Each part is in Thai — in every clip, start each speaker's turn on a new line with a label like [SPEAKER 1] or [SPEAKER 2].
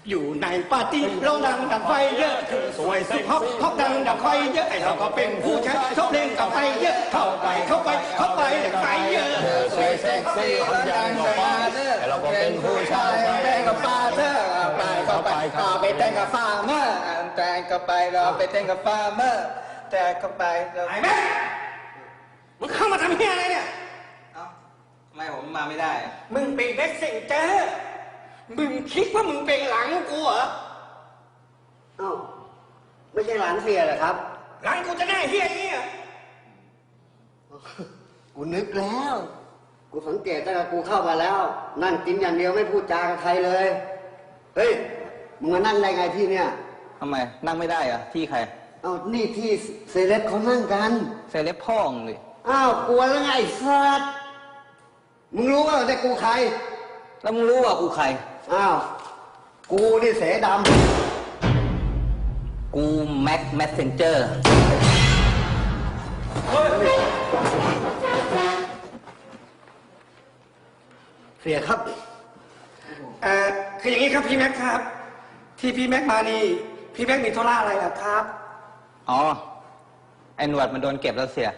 [SPEAKER 1] อยู่ในปาร์ตี้เราดังดังไฟเยอะคือสวยสุดฮอปฮอปดังดังไฟเยอะไอเราก็เป็นผู้ชายชอบเล่นกับไฟเยอะเข้าไปดังไฟเยอะ
[SPEAKER 2] สวยเซ็กซี่คนดังกับฟาเธอเราก็เป็นผู้ชายแต่งกับฟาเธอไปเข้าไปต่อไปแต่งกับฟาร์เมอร์แต่งเข้าไปเราไปแต่งกับฟาร์เมอร์แต่งเข้าไปเรา
[SPEAKER 1] ไอ้แม่มึงเข้ามาทำเฮียอะไรเนี่ย
[SPEAKER 2] เอ้าทำไมผมมาไม่ได้
[SPEAKER 1] มึงเป็นเด็กเซ็งเจอมึงคิดว่ามึงเป็นหลังกูเหรอ
[SPEAKER 3] เอ้าไม่ใช่หลานเสียเหรอครับ
[SPEAKER 1] หลังกูจะได้เฮียอย่างนี้เหรอ
[SPEAKER 3] กูนึกแล้วกูสังเกตตั้งแต่กูเข้ามาแล้วนั่งกินอย่างเดียวไม่พูดจากับใครเลยเฮ้ยมึงมานั่งได้ไงที่เนี่ย
[SPEAKER 2] ทำไมนั่งไม่ได้อะที่ใคร
[SPEAKER 3] เอ้านี่ที่เซเลบเขานั่งกัน
[SPEAKER 2] เซเลบพ่องเลย
[SPEAKER 3] อ้าวกลัวแล้วไงสัตว์มึงรู้ว่าแต่กูใคร
[SPEAKER 2] แล้วมึงรู้ว่ากูใคร
[SPEAKER 3] อ้าวกูนี่เสด
[SPEAKER 2] ำกูแม็กแมสเซนเจอร์
[SPEAKER 3] เสียครับ
[SPEAKER 1] คืออย่างนี้ครับพี่แม็กครับที่พี่แม็กมานี่พี่แม็กมีธุระอะไรล่ะครับ
[SPEAKER 2] อ๋อไอ้หนวดมันโดนเก็บแล้วเสีย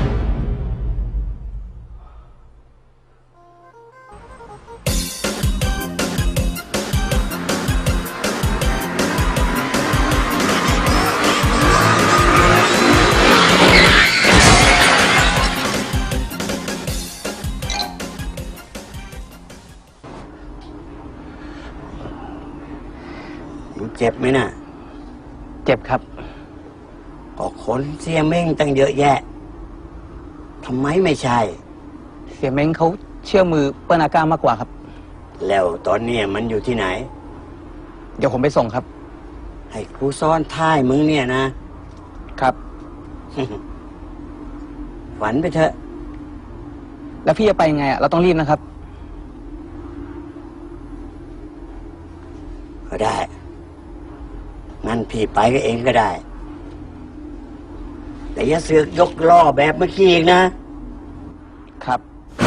[SPEAKER 3] มึงเจ็บไหมน่ะ
[SPEAKER 2] เจ็บครับ
[SPEAKER 3] ก็คนเสียเม้งตั้งเยอะแยะทำไมไม่ใช่
[SPEAKER 2] เสียเม้งเขาเชื่อมือเปิ้ลอาก้ามากกว่าครับ
[SPEAKER 3] แล้วตอนนี้มันอยู่ที่ไหน
[SPEAKER 2] เดี๋ยวผมไปส่งครับ
[SPEAKER 3] ให้ครูซ้อนท้ายมึงเนี่ยนะครับ ฝันไปเถอะ
[SPEAKER 2] แล้วพี่จะไปยังไงอ่ะเราต้องรีบนะครับ
[SPEAKER 3] ก็ได้งั้นพี่ไปก็เองก็ได้แต่อย่าเสือกยกล้อแบบเมื่อกี้อีก
[SPEAKER 2] นะครับ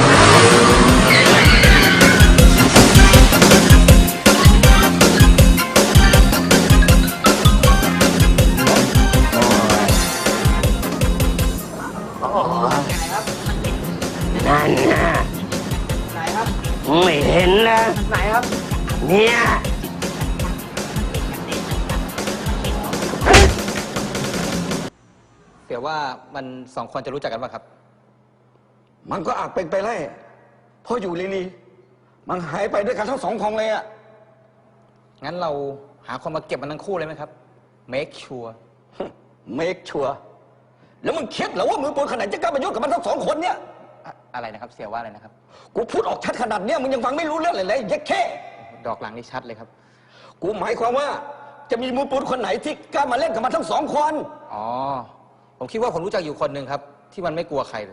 [SPEAKER 3] นั่นนะ
[SPEAKER 2] ไหนครับ
[SPEAKER 3] ไม่เห็นนะ
[SPEAKER 2] ไหนครับ
[SPEAKER 3] เนี่ย
[SPEAKER 2] เดี๋ยวว่ามันสองคนจะรู้จักกันป่ะครับ
[SPEAKER 1] มันก็อาจเป็นไปได้เพราะอยู่ลีมันหายไปด้วยกันทั้งสองคนเลยอ่ะ
[SPEAKER 2] งั้นเราหาคนมาเก็บมันทั้งคู่เลยไหมครับ make sure
[SPEAKER 1] make sure แล้วมึงคิดเหรอว่ามือปืนขนาดจะกล้าไปยุ่งกับมันทั้งสองคนเนี่ย
[SPEAKER 2] อะไรนะครับเสียว่าอะไรนะครับ
[SPEAKER 1] กูพูดออกชัดขนาดเนี้ยมึงยังฟังไม่รู้เรื่องเลยยักแค่
[SPEAKER 2] ดอกหลังนี่ชัดเลยครับ
[SPEAKER 1] กูหมายความว่าจะมีมือปืนคนไหนที่กล้ามาเล่นกับมันทั้งสองคน
[SPEAKER 2] อ๋อผมคิดว่าผมรู้จักอยู่คนหนึ่งครับที่มันไม่กลัวใคร